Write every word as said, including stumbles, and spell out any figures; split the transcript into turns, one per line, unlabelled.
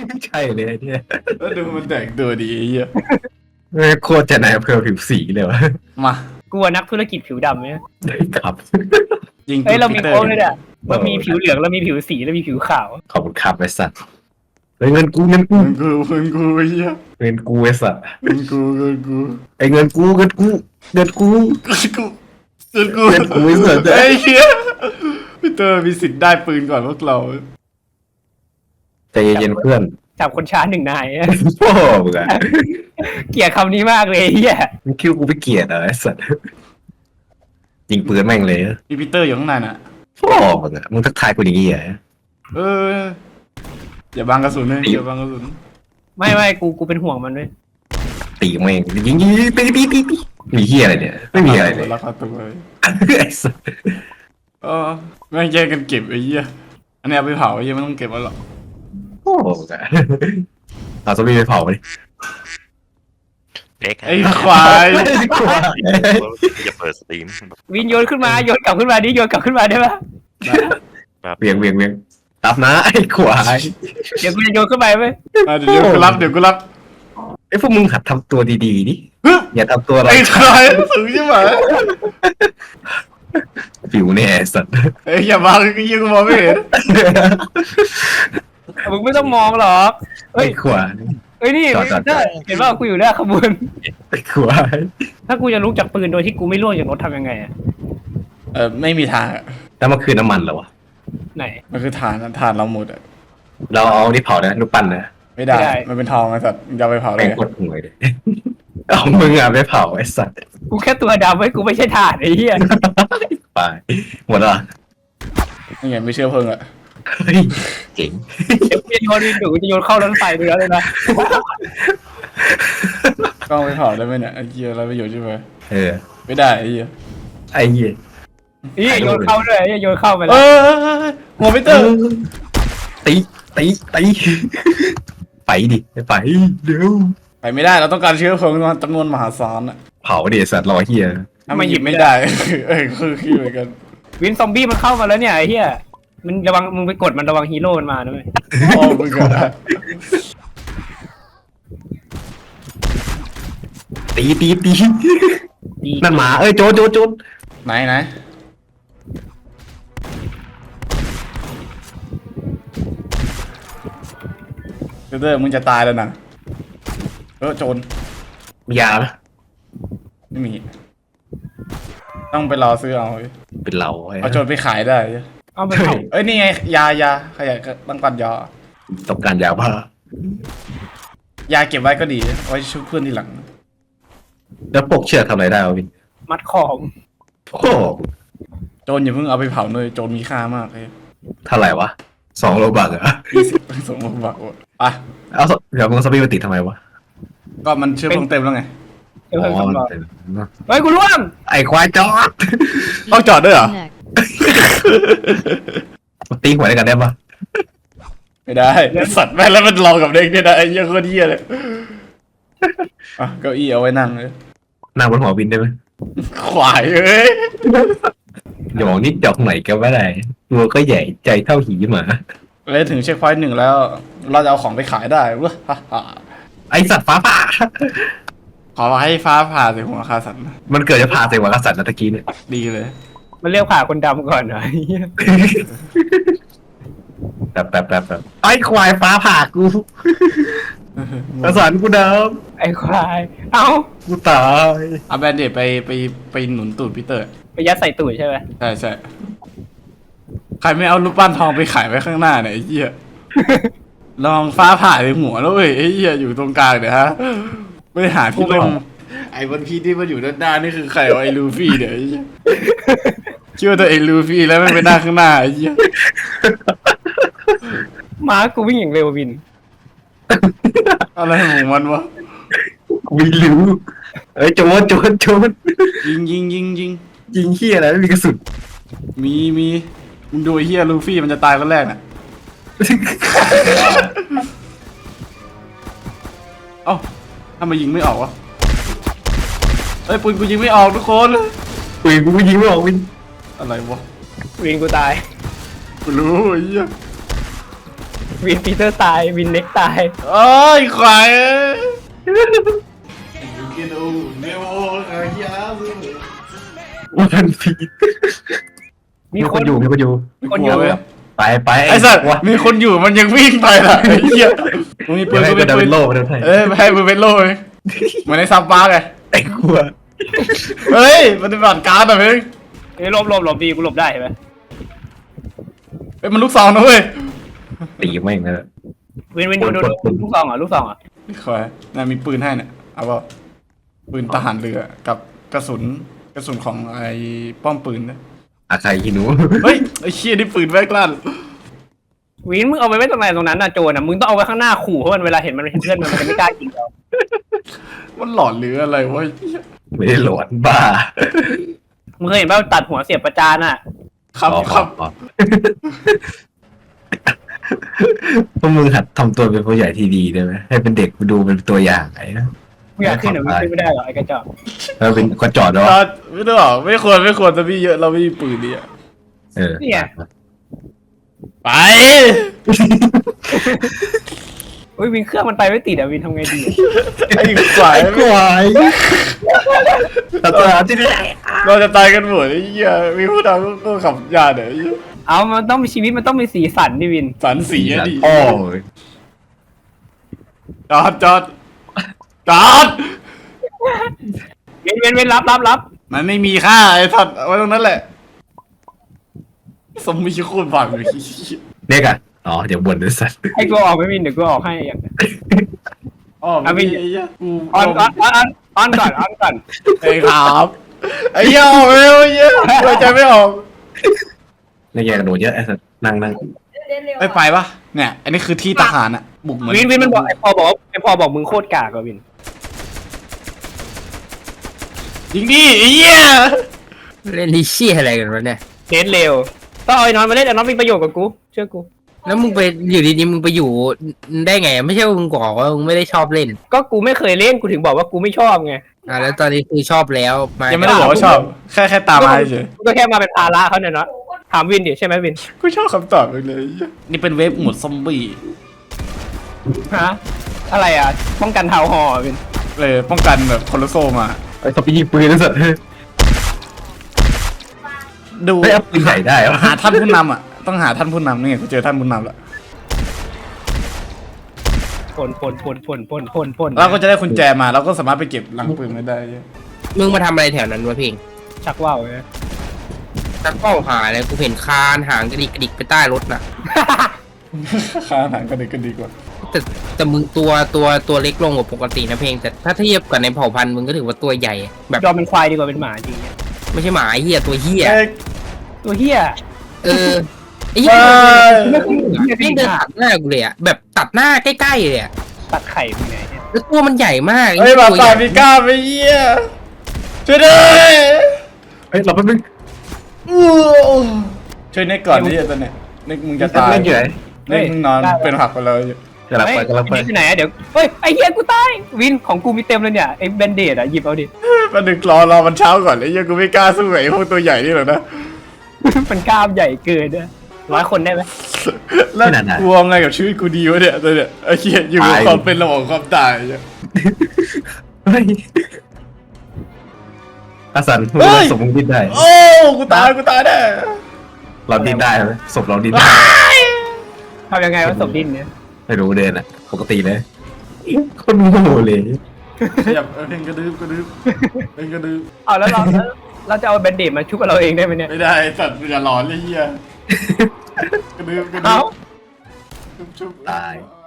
ใช่เลยเนี่ย
แล้วดูมันแต่งตัวดีไอ้เหี้ย
โคตรจะนายอำเภอผิวสีเลยวะ
มา
กูว่านักธุรกิจผิวดำเนี่ย
ได้ครับ
ยิง
เฮ้ยเรามี
ปีตอ
โค้ดเลยเนี่ยเรามีผิวเหลืองเรามีผิวสีแล้วมีผิวขาว
ขอบคุณครับไอ้สัตว์เฮ้ยเงินกูเงินกู
เงินกูเงินกูไอ้เหี้ย
เงินกูไอ้สัตว์
เงินกูเงินกู
ไอ้เงินกูเงินกูเงินกู
เงินกูเงินกู
เงินกูไอ้สัตว์
ไอ้เหี้ยพี่เตอร์มีสิทธิ์ได้ปืนก่อนพวกเรา
ใจเย็นๆเพื่อน
จับคนช้าหนึ่งนาย
โอ้มึงอะ
เกลียดคำนี้มากเลยเฮีย
มึงคิดวากูไปเกลียดเหรอไอ้สัตว์ยิงปืนแม่งเลย
มีปีเตอร์อยู่ข้างในน่ะ
โอ้มึงอะมึงทักทายกูอย่างงี้เหรอ
เอออย่าบังกระสุนเลยอย่าบังกระสุน
ไม่ไม่กูกูเป็นห่วงมันด้วย
ตีแม่งยิงยิงยิงตีตีตีตีมีเฮียอะไรเนี่ยไม่มีอะไรเลย
ราคาตัวเลย
ไอ้สัส
เออแม่งแย่งกันเก็บไอ้เหี้ยอันนี้เอาไปเผาไอ้เหี้ยไม่ต้องเก็บไว้หรอก
โอ้โหเอาซอมบี้ไปเผาไปดิ
เอ็ก
ไอ้ควาย
จะเปิดสตรีม
วินโยนขึ้นมาโยนกลับขึ้นมาดิโยนกลับขึ้นมาได้ปะ
เวียงเวียงเวียงตับนะไอ้ควาย
เดี๋ยวกูจะโยนขึ้นไปไหม
อ่ะเดี๋ยวกูรับเดี๋ยวกูรับ
ไอ้พวกมึงหัดทำตัวดีๆดิอย่าทำตัวอะไร
ไอ้ควายสูงใช่ไหม
ผิวเนี่ยไอ้สัตว์
ไอ้อย่าบังไอ้เหี้ยกูมองไม่เห็น
มึงไม่ต้องมองหรอกเฮ้
ไอ้
ย
ควาย
เฮ้ยนี่
จอดจอดจอด
เห็นว่ากูอยู่หน้าขบวน
ไอ้ควาย
ถ้ากูจะลุกจากปืนโดยที่กูไม่ล่วงจากรถทำยังไงอะ
เออไม่มีทางอะ
แล้วมันคือน้ำมันเหรอวะ
ไหน
มันคือฐานอะฐานเราหมดอะ
เราเอานี่เผานะนูปปั้นนะ
ไม่ได้
ไม่ได้
มันเป็นทองไอ้สัตว์มึงจะเอาไปเผาเล
แม่
ย
งกดห่วยเลยเอามึงอ่ะไปเผาไอ้สัตว์
กูแค่ตัวดำไว้กูไม่ใช่ถ่านไอ้เหี้ย
ไปหมดแล้ว
นี่ไงไม่เชื่อเพิ่งอะ
เฮ้ยเจ๋ง
เดี๋ยวกูจะโยนดินหนูจะโยนเข้ารถไฟไปแล้วเลยนะ
ก็เอาไปเผาได้ไหมเนี่ยไอ้เหี้ยอะไรประโยชน์ใช่ไหม
เออ
ไม่ได้ไอ้เหี้ย
ไอ้เหี้ย
นี่โยนเข้าด้วยไอ้เหี้ยโยนเข้าไป
เอ
แล้ว
อหัวพีเตอร์
ตีตีตีไปดิไปเร็ว
ไปไม่ได้เราต้องการเชื้อเพลิงจำนวนมหาศาลอะ
เผาดิสัตว์รอเฮีย
ถ้ามันหยิบไม่ได้ เออคือคือเหมือนกัน
วินซอมบี้มันเข้ามาแล้วเนี่ยไอ้เหี้ยมันระวังมึงไปกดมันระวังฮีโร่มันมาด้วย
โอ้มึงอะ
ตีตีตี
ดี
นั่นหมาเอ้ยโจรโจรโจร
ไหนไหนพีเตอร์มึงจะตายแล้วนะเออโจร
มียาไหม
ไม่มี ต้องไปรอซื้อเอาเว้ย
เป็นเราไอ้
เอาโจรไปขายได้
เอาไปเผา
เอ้ยนี่ไงยายาใครอยากต้องการยา
ต้องการยาบ้าย
าเก็บไว้ก็ดีไว้ช่วยเพื่อนทีหลัง
แล้วปกเชือกทำอะไรได้วะวิน
มัดของ
โอ้
โจรอย่าเพิ่งเอาไปเผาเลยโจรมีค่ามากเลย
เท่าไหร่วะสองโลบักเหรอ
ยี่สิบสองโลบาทอ่ะ
เอาสเดี๋ยวมึงสปีดมาติดทำไมวะ
ก็มันเชื้อเพลิงเต็มแล้วไง
เดี๋ยวเพิ่ม
อ๋อ
สำรอง
เต็ม
เฮ้ยกูร่วง
ไอ้ควายจอด
ต้องจอดด้วยเหรอ
มาตีหัวได้กันได้ปะ
ไม่ได้สัตว์แม่งแล้วมันรอกับเด็กเนี่ยนะไอ้เหี้ยโคตรเหี้ยเลยอ่ะเก้าอี้เอาไว้นั่งเลย
นั่งบนหัววินได้ไหม
ขวายเอ้ย
อย่ามองนิดดอกไหนก็ไม่ได้ตัวก็ใหญ่ใจเท่าหีหมา
เลยถึงเช็คพอยต์หนึ่งแล้ว เราจะเอาของไปขายได้เว้ยฮ่าฮ่า
ไอสัตว์ฟ้าผ่า
ขอให้ฟ้าผ่าใส่หัวคาสันนะ
มันเกิดจะผ่าใส่หัวกษัตริย์นะตะกี้เนี่ย
ดีเลย
มันเรียกผ่าคนดำก่อนเหรอไอ้เหี้ย
แบบแบบแบบแบบไอ้ควายฟ้าผ่ากูกระสันกูด
ไอ้ควายเอ้า
ำกูตาย
เอาแบนเดดไปไปไปหนุนตูดพีเตอร์
ไปยัดใส่ตูดใช่ไหม
ใช่ใช่ใครไม่เอารูปปั้นทองไปขายไว้ข้างหน้าเนี่ยไอ้เหี้ย ลองฟ้าผ่าในหัวแล้วเว้ยไอ้เหี้ยอยู่ตรงกลางเดี๋ยวฮะไม่ได้หาที่ลงไอ้บนพีที่มันอยู่ด้านหน้านี่คือใครวะไอ้ลูฟี่เดี๋ยวไอ้เหี้ยเชื่อตัวไอ้ลูฟี่แล้วไม่ไปหน้าข้างหน้าไอ้เหี้ย
ม้ากูวิ่งอย่างเร็ววิน
อะไรของมันวะ
กูไม่รู้เอ้ยโจรโจรโจร
ยิงยิงยิงยิง
ยิงเฮียอะไรไม่มีกระสุน
มีมีมึงดูไอ้เหี้ยลูฟี่มันจะตายคนแรกน่ะเอ้าทำไมยิงไม่ออกวะเอ้ยปืนกูยิงไม่ออกทุกคน
ปืนกูก็ยิงไม่ออกวิน
อะไรวะ
วินกูตาย
กูรู้ไอ้เหี้ย
วินปีเตอร์ตายวินเน็กตาย
โอ้ยควายเอ้ยกินอูเนโอเฮีย
วันพีช
มี
มี
ค
คน นอยู่มีคนอยู่
มีคนอยู่
ไปไป
ไอ้สัตว์
วะ
มีคนอยู่มันยังวิ่งไปล่ะไอ้เหี้ยมึงมีปื
เดี๋ย
น
วให้
กู
เป็
เป็น น
ดา
ปื
วิ
น
นโลมาด้วย
เอ้ยให้มือเป็นโล่เลยเหมือนในซับปาร์กไง
ไอ้กลัว
เฮ้ยปฏิบัติการหน่อยเว้ย
เฮ้ยหลบหลบหลบดีกูหลบได้เห็นไหม
เฮ้ยมันลูกซองนะเว้ย
ตีแม่งเลย
วินวินดูดูดูลูกซองเหรอ่ะลูกซองเหรอ่ะ
คอยน่ามีปืนให้เนี่ยเอาเปล่าปืนทหารเรือกับกระสุนกระสุนของไอ้ป้อมปืนนะ
อาใครหินู
เฮ้ยไอ้เชี่ยนี่ปืนแม่กล้าน
วินมึงเอาไปไว้ตรงไหนตรงนั้นน่ะโจรน่ะมึงต้องเอาไว้ข้างหน้าขู่เพราะมันเวลาเห็นมันเห็นเพื่อนมันมันจะไม่กล้ายิงเรา
มันหลอนหรืออะไรวะ
ไม่ได้หลอนบ้า
มึงเคยเห็นป่ะตัดหัวเสียบประจานอ่ะ
ครับ
อ๋อ
ครับ
อ๋อพวกมึงหัดทำตัวเป็นผู้ใหญ่ที่ดีได้ไหมให้เป็นเด็กดูเป็นตัวอย่างไอ้นะ
มึงอยากขึ้นหรือมึงขึ้นไม่ได้หรอกไอ้กระจอก
แล้วเป็นคนจอดแล้ว
จอดไม่ต้องหรอกไม่ควรไม่ควรจะมีเยอะเราไม่มีปืนดิอะ
เออ
เนี่ย
ไป
เฮ้ยวินเครื่องมันไปไม่ติดอ่ะวินทำไงดี
ไอ้ควาย
กวายตัดตัวที่ไหน
เราจะตายกันหมดไอ้เหี้ยมีผู้นำก็ขับยาเดี๋ยว
เอามันต้องมีชีวิตมันต้องมีสีสันดิวิน
สันสีอะดิ
โอ้ย
จอดจอดจอด
เว้นเว้นเว้นรับรับรับ
มันไม่มีค่าไอ้ทัดเอาไว้ตรงนั้นแหละสมมีโคตรบังเลย
เด็กอ่ะอ๋อเดี๋ยวบ่นด้วยสัตว์
ให้กูออกไม่วินเดี๋ยวกูออกให้อย่าง
อ๋อไม่มีไอ้เหี้ยกู
ออนออนออนออนก่อนออนก่อน
ไอ้ครับไอ้เหี้ยออกเร็วไอ้เหี้ยเราใจไม่ออก
แล้วแกกระโดดเยอะไอ้สัตว์นั่งนั่ง
ไม่ไปปะเนี่ยอันนี้คือที่ทหารอะบุกเหมือน
วินวินมันบอกไอ้พอบอกไอ้พอบอกมึงโคตรกากอ่ะวิน
ยิงดิไอ้เหี้ย
เล่นดิชี่อะไรกันวะเนี่ย
เน้นเร็วต้องเอาไอ้นอนมาเล่นไอ้นอนมีประโยชน์กับกูเชื่อกู
แล้วมึงไปอยู่ดีๆมึงไปอยู่ได้ไง ไม่ใช่ว่ามึงบอกว่ามึงไม่ได้ชอบเล่น
ก็กูไม่เคยเล่นกูถึงบอกว่ากูไม่ชอบไง
อ่ะแล้วตอนนี้คือชอบแล้วมา
ยังไม่ได้บอกว่าชอบแค่แค่ตามมาเฉย
กูก็แค่มาเป็นภาระเขาเนี่ยเนาะถามวินดิใช่ไหมวิน
กูชอบคำตอบเลยเลยนี่เป็นเวฟหมวดซอมบี้
ฮะอะไรอ่ะป้องกันเท้าหอวิน
เลยป้องกันแบบโคโลโซมา
ไอ้สปียิงปืนไอ้สัตว์
ดู
ไม่เอาปืนใหญ่ได้เหรอ
หาท่านผู้นำอ่ะต้องหาท่านผู้นำนี่ไงกูเจอท่านผู้นำแล้ว
พ่นพ่นพ่นพ่นพ่นพ่นพ่น
เราก็จะได้กุญแจมาเราก็สามารถไปเก็บหลังปืนไม่ได้
มึงมาทำอะไรแถวนั้นวะเพ่ง
ชักว่าวไง
ตักเป้าหาอะไรกูเห็นคานหางกระดิกกระดิกไปใต้รถน่ะ
ค่าอาหารก็ดีก็ดีกว่า
แต่แต่มึงตัวตัวตัวเล็กลงกว่าปกตินะเพ่งแต่ถ้าเทียบกับในเผ่าพันธุ์มึงก็ถือว่าตัวใหญ่ แบบ
ยอมเป็นควายดีกว่าเป็นหมาจริงเนี่ย
ไม่ใช่หมาไอ้เหี้ยตัวเหี้ย
เอ้ย
ตัวเฮีย
เออไอ้เหี้ย
เอ้ย
เพ่งเดินตัดหน้ากูเลยอะแบบตัดหน้าใกล้ๆเลยอะ
ตัดไข่มึงไงเนี่ย
แล้วตัวมันใหญ่มาก
เฮ้ย
หี้
บา
ตัว
ปา
ใหญ่
พิก้าไปเยี่ยช่วยด้วย
เฮ้ยเราแป๊บนึง
อู้ช่วยเน็กก่อนนี่ตอนเนี้ยเน็กมึงจะตาย
เล่นอยู่ไหน
เน็กมึงนอนเป็นผักไปเลย
กำลัง
เฮ้ย
ไปกำลังไป
นี่คือไหนอะเดี๋ยวเฮ้ยไอ้เฮียกูตายวินของกูมีเต็มเลยเนี่ยไอ้แบนเดดอะหยิบเอาดิ
มาดึกรอรอมันเช้าก่อนไอ้เหี้ยกูไม่กล้าสู้ไอ้พวกตัวใหญ่นี่หรอกนะ
มันกล้ามใหญ่เกินนะร้อยคนได้ไหม
แล้วกลัวไงกับชีวิตกูดีวะเนี่ยตอนเนี้ยไอ้เหี้ยอยู่กับความเป็นระหว่างความตายเนี่ย
เฮ้ยอาสันมึงสมมึงดิ้นได้
โอ้กูตายกูตายแน่
เราดิ้นได้ไหมศพเราดิ้นได้
ทำยังไงวะศพดินเนี่ย
ไม่รู้เดินอ่ะปกติเลยคนโง่เลย
ขยับเออเพลงกระดึบกระดึบเพลงกระดึบ
เอาแล้วเราแล้วเราจะเอาแบนเดดมาชุบกับเราเองได้ไหมเนี่ย
ไม่ได้สัตว์อย่าหลอนเลยเหี้ยกระดึบกระดึ
เอา
บชุบชุบ
ตาย